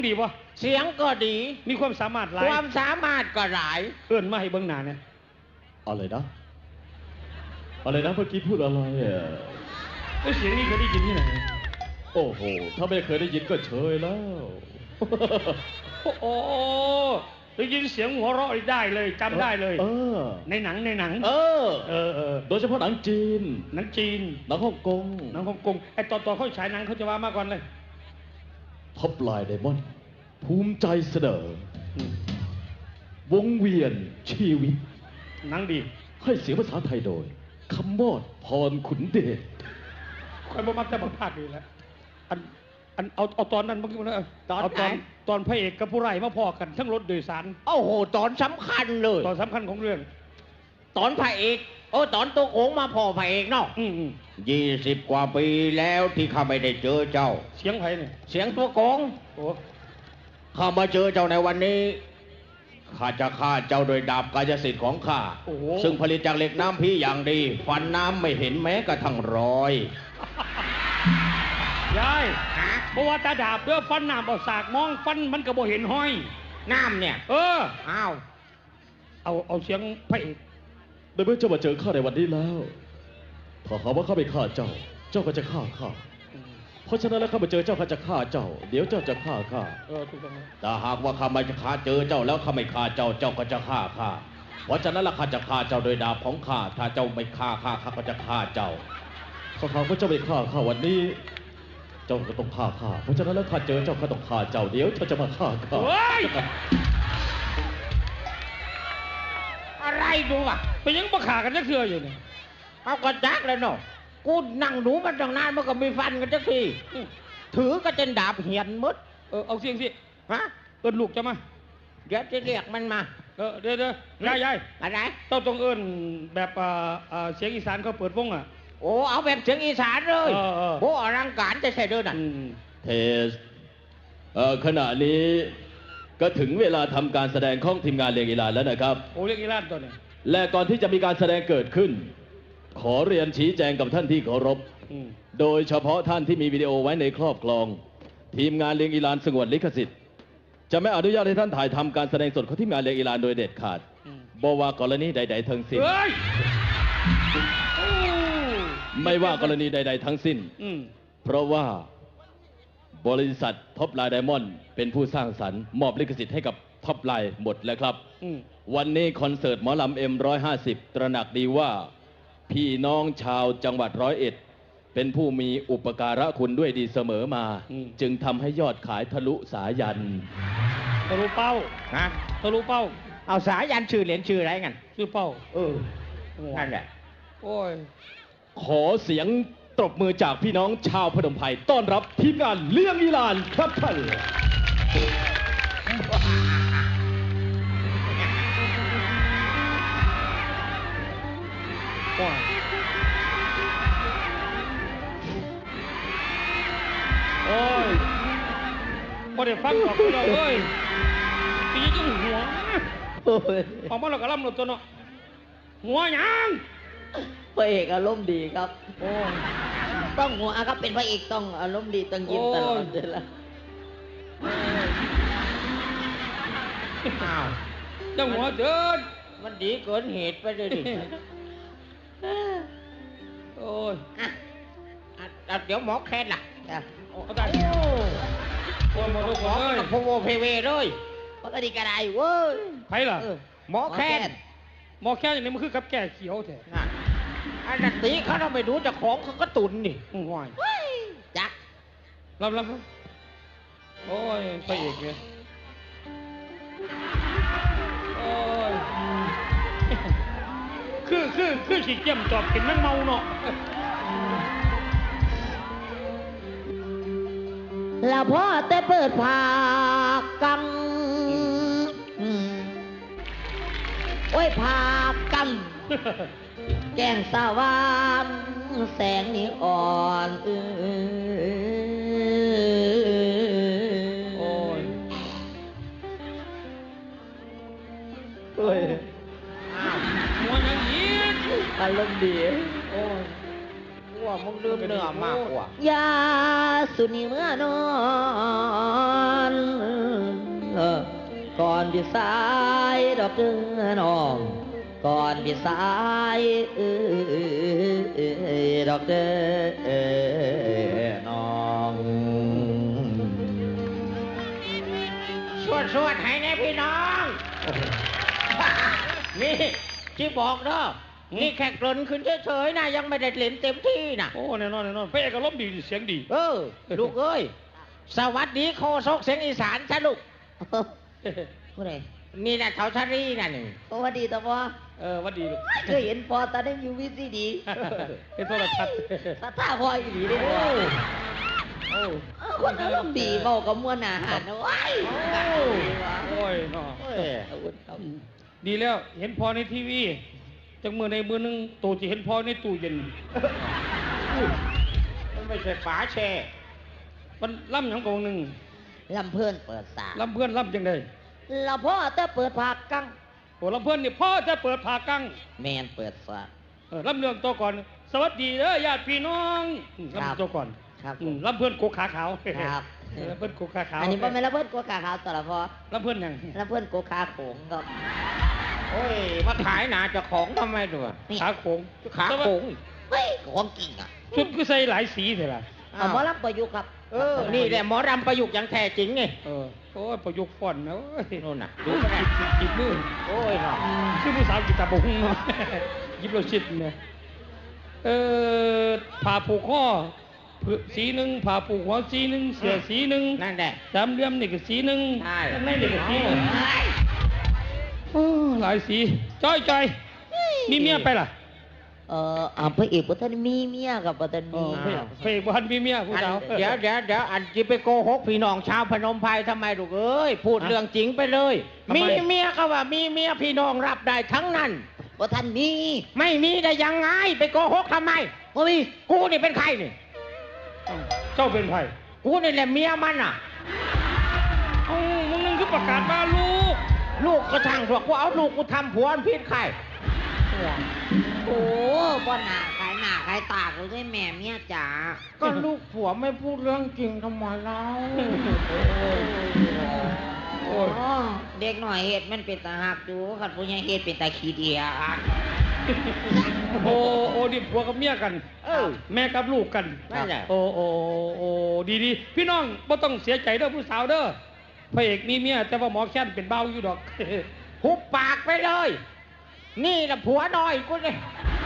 ดีป่ะเสียงก็ดีมีความสามารถหลายความสามารถก็หลายเอื้อนมาให้เบิ้งหน้าเนี่ยอะไรนะอะไรนะเมื่อกี้พูดอะไรอ่ะเสียงนี้เคยได้ยินที่ไหนโอ้โหถ้าไม่เคยได้ยินก็เชยแล้วโอ้ได้ยินเสียงหัวเราะได้เลยจำได้เลยในหนังโดยเฉพาะหนังจีนหนังฮ่องกงไอ้ตอนเขาฉายหนังเขาจะว่ามาก่อนเลยท็อปไลน์ไดมอนด์ภูมิใจเสนอวงเวียนชีวิตหนังดีให้เสียงภาษาไทยโดยคำมอดพรขุนเดชใครบ่มักแต่บังพลาดดีแล้วเอาตอนนั้นเมื่อกี้นะตอนพระเอกกับผู้ร้ายมาพอกันทั้งรถโดยสารโอ้โหตอนสำคัญเลยตอนสำคัญของเรื่องตอนพระเอกตอนตัวโขงมาพอพระเอกเนาะ20 กว่าปีแล้วที่ข้าไม่ได้เจอเจ้าเสียงไผ่เนี่ยเสียงตัวโขงข้ามาเจอเจ้าในวันนี้ข้าจะฆ่าเจ้าโดยดาบกายสิทธิ์ของข้าซึ่งผลิตจากเหล็กน้ำพีอย่างดีฟันน้ำไม่เห็นแม้กระทั่งรอยยายเพราะว่าตาดาบเพื่อฟันน้ำเอาสากมองฟันมันก็บ่เห็นห้อยน้ำเนี่ยเอาเสียงพระเอกโดยเมื่อเจ้ามาเจอข้าในวันนี้แล้วถ้าหากว่าข้าไม่ฆ่าเจ้าก็จะฆ่าข้าเพราะฉะนั้นแล้วข้ามาเจอเจ้าข้าจะฆ่าเจ้าเดี๋ยวเจ้าจะฆ่าข้าถูกต้องแต่หากว่าข้าไม่ฆ่าเจอเจ้าแล้วข้าไม่ฆ่าเจ้าก็จะฆ่าข้าเพราะฉะนั้นแล้วข้าจะฆ่าเจ้าโดยดาบของข้าถ้าเจ้าไม่ฆ่าข้าก็จะฆ่าเจ้าถ้าหากว่าเจ้าไม่ฆ่าข้าวันนี้เจ้าก็ต้องฆ่าข้าเพราะฉะนั้นแล้วข้าเจอเจ้าข้าต้องฆ่าเจ้าเดี๋ยวเจ้าจะมาฆ่าข้าอะไรดูอ่ะไปยังมาฆ่ากันจะเคืออยู่เนี่ยเอากระจักเลยเนาะกูนั่งหนูมันตั้งนานมันก็มีฟันกันจักทีถือก็เจนดาบเหียนมดเอาเสียงสิฮะเอิ้นลูกจะมาเดี๋ยวจะเรียกมันมาเดี๋ยวยายอะไรต้องเอิ้นแบบเสียงอีสานเขาเปิดวงอ่ะเอาแบบเสียงอีสานเลยโอ้อลังการจะใช่เด้อน่ะเทสขณะนี้ก็ถึงเวลาทำการแสดงของทีมงานเรียงอีลานแล้วนะครับเรียงอีลานตัวนี้และก่อนที่จะมีการแสดงเกิดขึ้นขอเรียนชี้แจงกับท่านที่เคารพโดยเฉพาะท่านที่มีวิดีโอไว้ในครอบครองทีมงานเรียงอีลานสงวนลิขสิทธิ์จะไม่อนุญาตให้ท่านถ่ายทำการแสดงสดของทีมงานเรียงอีลานโดยเด็ดขาดบ่ว่ากรณีใดๆทั้งสิ้นไม่ว่ากรณีใดๆทั้งสิ้นเพราะว่าบริษัทท็อปไลน์ไดมอนด์เป็นผู้สร้างสรรค์มอบลิขสิทธิ์ให้กับท็อปไลน์หมดแล้วครับวันนี้คอนเสิร์ตหมอลำM150ตระหนักดีว่าพี่น้องชาวจังหวัด101เป็นผู้มีอุปการะคุณด้วยดีเสมอมาจึงทำให้ยอดขายทะลุสายันทะลุเป้าทะลุเป้าเอาสายันชื่อเหรียญชื่ออะไรกันชื่อเป้านั่นแหละโอ้ยขอเสียงตบมือจากพี่น้องชาวพนมไพรต้อนรับทีมงานเลี้ยงอีลานครับท่านโอ้ยพอได้ฟังบอกเราเอ้ยตีจังหัวออกมาเรากระลำหลุดตัวเนาะหัวยังพระเอกอารมณ์ดีครับต้องหัวครับเป็นพระเอกต้องอารมณ์ดีต้องยิ้มตลอดเลยล่ะจังหัวเดินมันดีเกินเหตุไปเลยดิโอ้ยเดี๋ยวหมอแคนล่ะเอาได้โอ้ยหมอเลยโพโวเพเวเลยเพราะตอนนี้กระไรเว้ยใครล่ะหมอแคนอย่างนี้มันคือกับแก่เขียวแท้อันนั้นตีเขาเราไม่รู้จะของเขาก็ตุนนี่ห่วยจักรับโอ้ยพระเอกเนี่ยโอ้ยคือฉีกเจียมจอบกินนั่งเมาเนาะแล้วพ่อแต่เปิดผากังโอ้ยผากังแก้งสว่างแสงนี้อ่อนโอ้ยหัวยังยิ้มอารมณ์ดีโอ้ยว่ามึงดื่มเนื้อมากกว่ายาสุนีเมื่อนอนก่อนที่สายดอกเดือนออกก่อนที่สายดอกเดือนออกสวดให้แน่พี่น้อง นี่ที่บอกเนาะนี่แค่กลนขึ้นเฉยๆนะยังไม่ได้เล่นเต็มที่นะโอ้แน่นอนแน่นอนพระเอกก็ล้มณ์ดีเสียงดีลูกเอ้ยสวัสดีโคศกเสียงอีสานซะลูกผู้ใดนี่นะเขาชารีน่ะนี่สวัสดีตาพ่อวัดดีลูกเคยเห็นพอตาได้อยู่วิซีดีเป็นโทรทัศน์ตาท่าพ่ออีหลีเด้อคนอารมณ์ดีเบากับมวลอาหารนะว้ายโอ้ยเนาะดีแล้วเห็นพอในทีวีจังมือในมือนึงตู่จะเห็นพอในตู้เย็นมันไม่ใช่ฝาแช่มันล่ำหยังกองหนึ่งลำเพื่อนเปิดสาล่ำเพื่อนล่ำจังไดเราพ่อแต่เปิดผากกังโอ้ล่ำเพื่อนนี่พ่อจะเปิดผ่ากังแมนเปิดสาล่ำเรื่องตัวก่อน สวัสดีเด้อญาติพี่น้องล่ำตัวก่อนครับล่ำเพื่อนโกขาขาวครับล่ำเพื่อนโกขาขาวอันนี้บ่แม่นลำเพื่อนกัวกาขาวตัวละพ่อล่ำเพื่อนหยังลำเพื่อนกัวขาโขงครับโอ้ยมาขายหนาเจะของทำไมด้วยขาโค้งขาโขงเฮ้ยของจริงอ่ะชุดคือใส่หลายสีเถอะล่ะเอาหมอลำประยุกต์ครับนี่แหละหมอรำประยุกต์อย่างแท้จริงไงโอ้ยประยุกต์ฟอนต์นะโอ้ยนู่นน่ะดูจิบมือโอ้ยเนาะชื่อผู้สาวกีตาร์บงเนาะ ยิบเราชิดเนี่ยผ่าผูกข้อสีหนึ่งผ่าผูกหัวสีหนึ่งเสือสีหนึ่งนั่นแหละสามเหลี่ยมนี่ก็สีหนึ่งใช่ข้างในนี่ก็สีหนึ่งโอ้หลายสีจ้อยมีเมียไปล่ะพระเอกบ่ทันมีเมียกับบ่ทันมีเพลงบ้านมีเมียผู้สาวเดี๋ยวอันจะไปโกหกพี่น้องชาวพนมไพรทำไมลูกเอ้ยพูดเรื่องจริงไปเลย มีเมียก็ว่ามีเมียพี่น้องรับได้ทั้งนั้นบ่ทันมีไม่มีได้ยังไงไปโกหกทำไมบ่มีกูนี่เป็นใครนี่เจ้าเป็นไผ่กูนี่แหละเมียมันอ่ะมึงนึงคือประกาศมาลูกก็ช่างเถอะกูเอาลูกกูทำผัวมันผิดใครโอ้บ่หน้าขายหน้าขายตากูด้วยแม่เมียจ๋าก็ลูกผัวไม่พูดเรื่องจริงทำไมเล่าโอ้ยเด็กหน่อยเฮ็ดมันเป็นตาหักอยู่คันผู้ใหญ่เฮ็ดเป็นตาขี้เดียโอ้ดิผัวกับเมียกัน แม่กับลูกกันนั่นแหละโอ้ดีพี่น้องบ่ต้องเสียใจเด้อผู้สาวเด้อพระเอกมีเมียแต่ว่าหมอแค้นเป็นเบาอยู่ดอกหุบปากไปเลย นี่แหละผัวน้อยกูเลย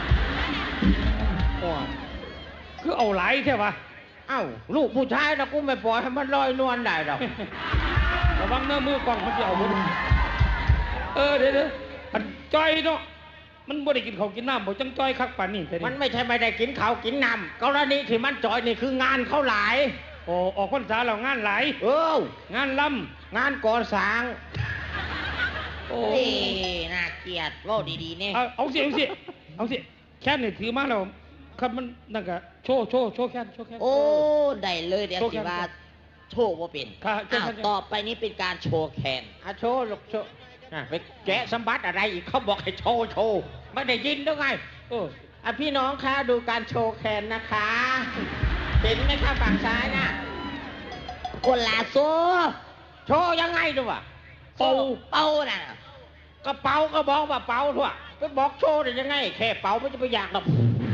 คือเอาหลายใช่ปะเอ้าลูกผู้ชายนะกูไม่ปล่อยให้มันลอยนวลได้หรอกระวังเนื้อมือกล้องมันจะเอาหมดเดี๋ยวอันจ้อยเนาะมันบ่ได้กินข้าวกินน้ำบ่จังจ้อยคักป่านนี้แต่มันไม่ใช่ไม่ได้กินข้าวกินน้ำกรณีที่มันจอยนี่คืองานเขาหลายโอ้ออกพรรษาแล้วงานหลาย งานล่งานก่อสร้างำโอ้โอ้ยน่าเกลียดเว้าดีๆเนี่ยเอาสิแค่นี่ถือมาแล้วครับมันนั่นก็โชว์แค่โอ้ได้เลยเดี๋ยวสิว่าโชว์บ่เป็นค่ะอ้าวต่อไปนี้เป็นการโชว์แคนโชว์ลูกโชว์ไปแกะสมบัติอะไรอีกเขาบอกให้โชว์ไม่ได้ยินหรือไงพี่น้องคะดูการโชว์แคนนะคะเห็นไหมคะฝั่งซ้ายน่ะคนลาโซโชว์ยังไงดูวะเป่าน่ะกระเป๋าก็บอกว่าเป๋าทั่วไปบอกโชว์ได้ยังไงแค่เป๋าไม่จะไปอยากหรอก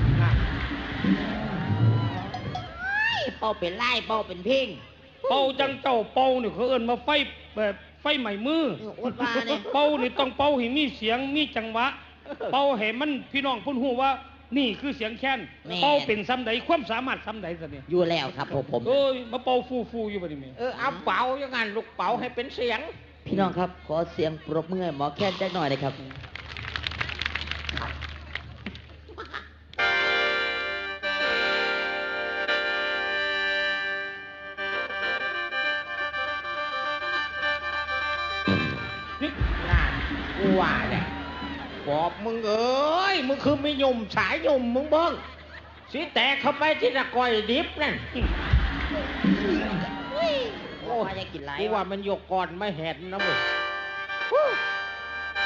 เป่าเป็นไล่เป่าเป็นเพ่งเป่าจังเจ้าเป่านี่เขาเอิ้นมาไฟแบบไฟใหม่มืออดว่าเนี่ยเป่านี่ต้องเป่าให้มีเสียงมีจังหวะ เป่าให้มันพี่น้องเพิ่นฮู้ว่า นี่คือเสียงแค้นเป่าเป็นซ้ำใดความสามารถซ้ำใดซะเนี่ยอยู่แล้วครับผมเอ้ยมาเป่าฟูอยู่บัดนี้แม่เอาเป๋ายังไงลูกเป๋าให้เป็นเสียงพี่น้องครับขอเสียงปรบมือให้หมอแค้นจักหน่อยนะครับน่ากูว่าเนี่ยบอกมึงเอ้ยมึงคือไม่ยุ่มสายยุ่มมึงเบิ้งสิแตกเข้าไปที่ตะกอยดิบนั่นโอ้ยจะกินไรกูว่ามันยกก่อนไม่เห็นนะมึง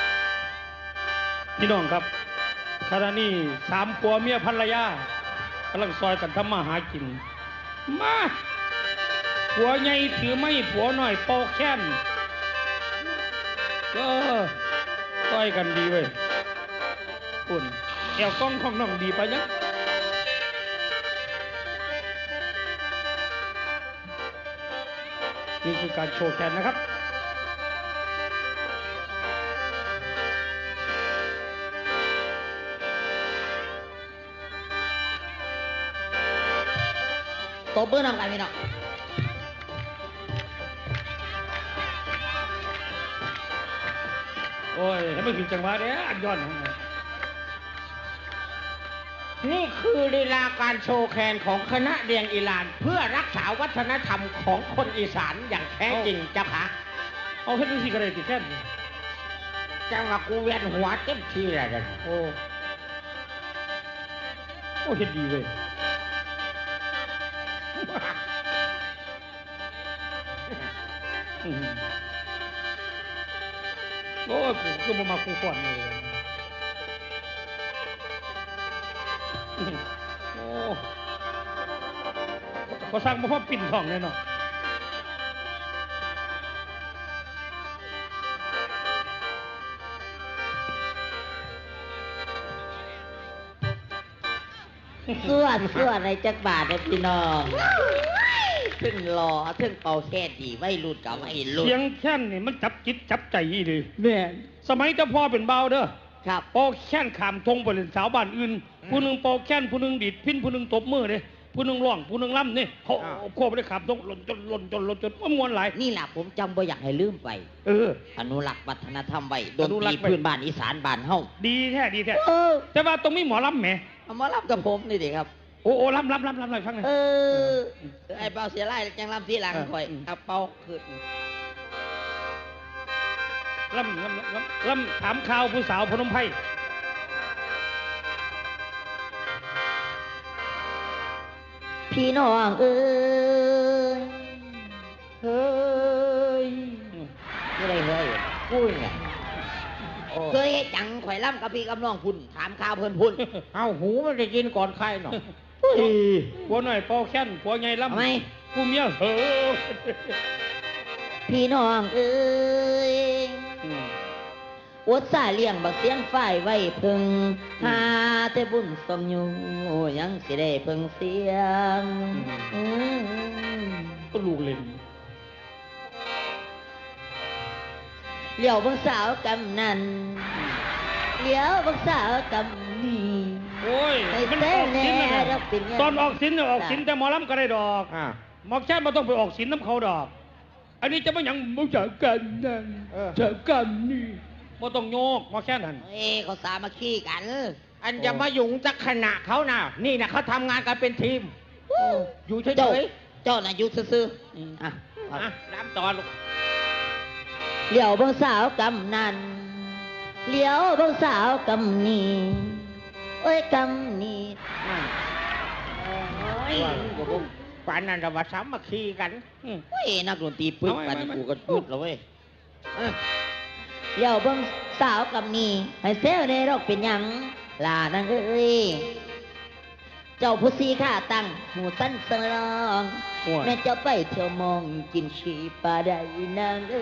พี่น้องครับขณะนี้3 ผัวเมียภรรยาไปำลังซอยกันทำมาหากินมาผัวใหญ่ถือไม้ผัวหน่อยปอกแค้นซอยกันดีเว้ยปุ่นแอวกล้องของน้องดีไปยังนี่คือการโชว์แขนนะครับตบมือนำกันพี่น้องโอ้ยให้ไม่ถึงจังหวะเด้ออันย้อนของมันนี่คือลีลาการโชว์แคนของคณะเรียงอีลานเพื่อรักษาวัฒนธรรมของคนอีสานอย่างแท้จริงเจ้าค่ะเอาเฮ็ดดูสิกระไรติแค่นจังหวะกูเวียนหัวเต็มทีเลยกันโอ้เฮ็ดดีเว้ยโอ้ยกูก็มาคูก่อนเลยโอ้เขาสร้างมาเพราะปิ่นทองเลยเนาะเสื้อในจักรบาทนะพี่น้องถึงรอถึงเป่าแค่ดีไม่รุดกับไม่รุดเสียงแค่นนี่มันจับจิตจับใจเลยแม่สมัยเจ้าพ่อเป็นเบาเด้อครับปอกแค้นขามทงไปเล่นสาวบ้านอื่นผู้หนึ่งปอกแค้นผู้หนึ่งดีดพินผู้หนึ่งตบมือเลยผู้หนึ่งร้องผู้หนึ่งล่ำนี่เขาโคบไปขามทงหล่นจนมวนหลายนี่แหละผมจำบ่อยากให้ลืมไปอนุรักษ์วัฒนธรรมไว้ดนตรีพื้นบ้านอีสานบ้านเฮาดีแท้แต่ว่าตรงนี้หมอลำแหมหมอลำกับผมนี่ดิครับโอ้ลำหน่อยฟังหน่อยไอ้เป่าเสียไล่จังลำที่หลังคอยเอาเป่าขึ้นลำถามข่าวผู้สาวพนมไพรพี่น้องเอ้ยเฮ้ยอะไรเฮ้ยพูดไงเคยจังข่อยล่ำกับพี่กับน้องพุ่นถามข่าวเพิ่นพุ่นเอาหูมันจะกินก่อนใครหนอผัวหน่อยปอแค้นผัวไงล่ำทำไมกูเมียพี่น้องเอ้ยอดสายเลี้ยงบักเสียงฝ่ายไว้พึงหาแต่บุญสมอยู่ยังสิได้พึงเสียงก็ลูกเล่นเลี้ยวบังสาวกำนันเลี้ยวบังสาวกำนีโอ้ยมันออกสินนะตอนออกสินออกสินแต่หมอลำก็ได้ดอกหมอแค่มาต้องไปออกสินน้ำเขาดอกอันนี้จะไม่ยังมุจกันนั่นจะกันนี่มาต้องโยกหมอแค่นั้นเขาสามัคคีกันอันจะมาหยุ่งจักขณะเขาน่ะนี่นะเขาทำงานกันเป็นทีมอยู่เฉยๆเจ้าน่ะอยู่ซื่อน้ำตอนลูกเลี้ยวบังสาวกำนันเลี้ยวบังสาวกำนีโอ้ยกำนีป่านนั้นเรามาซ้ำมาขี้กันเฮ้ยนักดนตรีปึ๊บป่านนี้กูก็ปึ๊บแล้วเว้ยเลี้ยวบังสาวกำนีให้เซลในรกเป็นยังลานังเอ้ยเจ้าผู้ซีข้าตั้งหูสั้นสลองแม่เจ้าไปเที่ยวมองกินชีปลาได้นางเอ้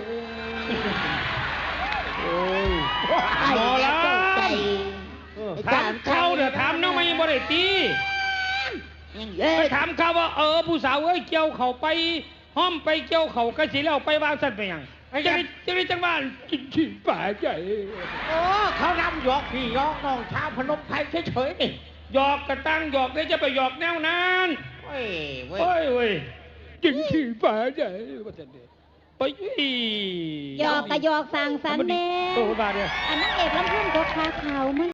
ยหมอลำถามเขาเดี๋ยวถามน้องไม่บ่ได้ตีไปถามเขาว่าผู้สาวเอ้ยเกี่ยวเขาไปห้อมไปเกี่ยวเขากระสีแล้วไปวางสัตว์ไปยังจะได้จังบ้านกินชีปลาใจเขานำหยอกพี่หยอกน้องชาวพนมไพรเฉยๆนี่หยอกกระตั้งหยอกได้จะไปหยอกแนวนั้นเว้ยกินขี้ปลาใหญ่ไปหยอกกะหยอกสั่งสันเน่อันนั้นเอกลำพุ่นก็คาขาวมั้ง